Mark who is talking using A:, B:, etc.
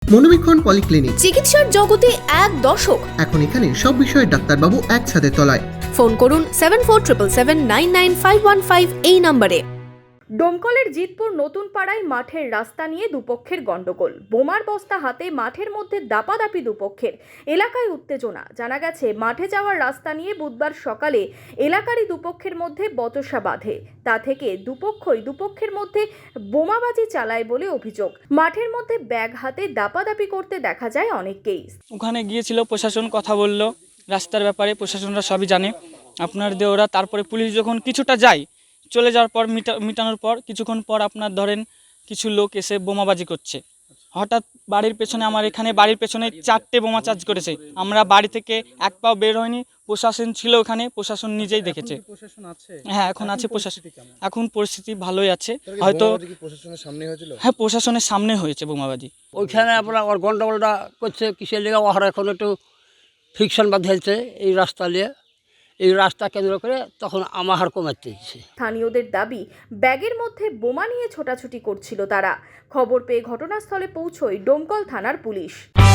A: মনোবীক্ষণ polyclinic,
B: চিকিৎসার জগতে এক দশক।
A: এখন এখানে সব বিষয়ে ডাক্তারবাবু একসাথে তলায়।
B: ফোন করুন 7477999515 এই নম্বরে।
C: ডোমকলের জিতপুর নতুন পাড়ায় মাঠের রাস্তা নিয়ে দুপক্ষের গন্ডগোল। বোমার বস্তা হাতে মাঠের মধ্যে দাপাদাপি দুপক্ষের। এলাকায় উত্তেজনা। জানা গেছে মাঠে যাওয়ার রাস্তা নিয়ে বুধবার সকালে এলাকারই দুপক্ষের মধ্যে বচসা বাঁধে। তা থেকে দুপক্ষের মধ্যে বোমাবাজি চালায় বলে অভিযোগ। মাঠের মধ্যে ব্যাগ হাতে দাপাদাপি করতে দেখা যায় অনেককেই।
D: ওখানে গিয়েছিল, প্রশাসন কথা বলল রাস্তার ব্যাপারে, প্রশাসনরা সবই জানে আপনার দেওরা। তারপরে পুলিশ যখন কিছুটা যায়, চলে যাওয়ার পর মিটানোর পর কিছুক্ষণ পর আপনার ধরেন কিছু লোক এসে বোমাবাজি করছে। হঠাৎ বাড়ির পেছনে, আমার এখানে বাড়ির পেছনে 4টে বোমা চার্জ করেছে। আমরা বাড়ি থেকে এক পাও বের হয়নি, প্রশাসন ছিল ওখানে, প্রশাসন নিজেই দেখেছে। হ্যাঁ, এখন আছে প্রশাসন। এখন পরিস্থিতি ভালোই আছে হয়তো। হ্যাঁ, প্রশাসনের সামনে হয়েছে বোমাবাজি।
E: ওইখানে আপনার ওর গন্ডগোলটা করছে কিসের লেগে, ওরা এখন একটু ফিকশন বাঁধেছে এই রাস্তা নিয়ে। এই রাস্তা কেন্দ্র করে তখন আমাহার কমাতে দিচ্ছে।
C: স্থানীয়দের দাবি, ব্যাগের মধ্যে বোমা নিয়ে ছোটাছুটি করছিল তারা। খবর পেয়ে ঘটনাস্থলে পৌঁছয় ডোমকল থানার পুলিশ।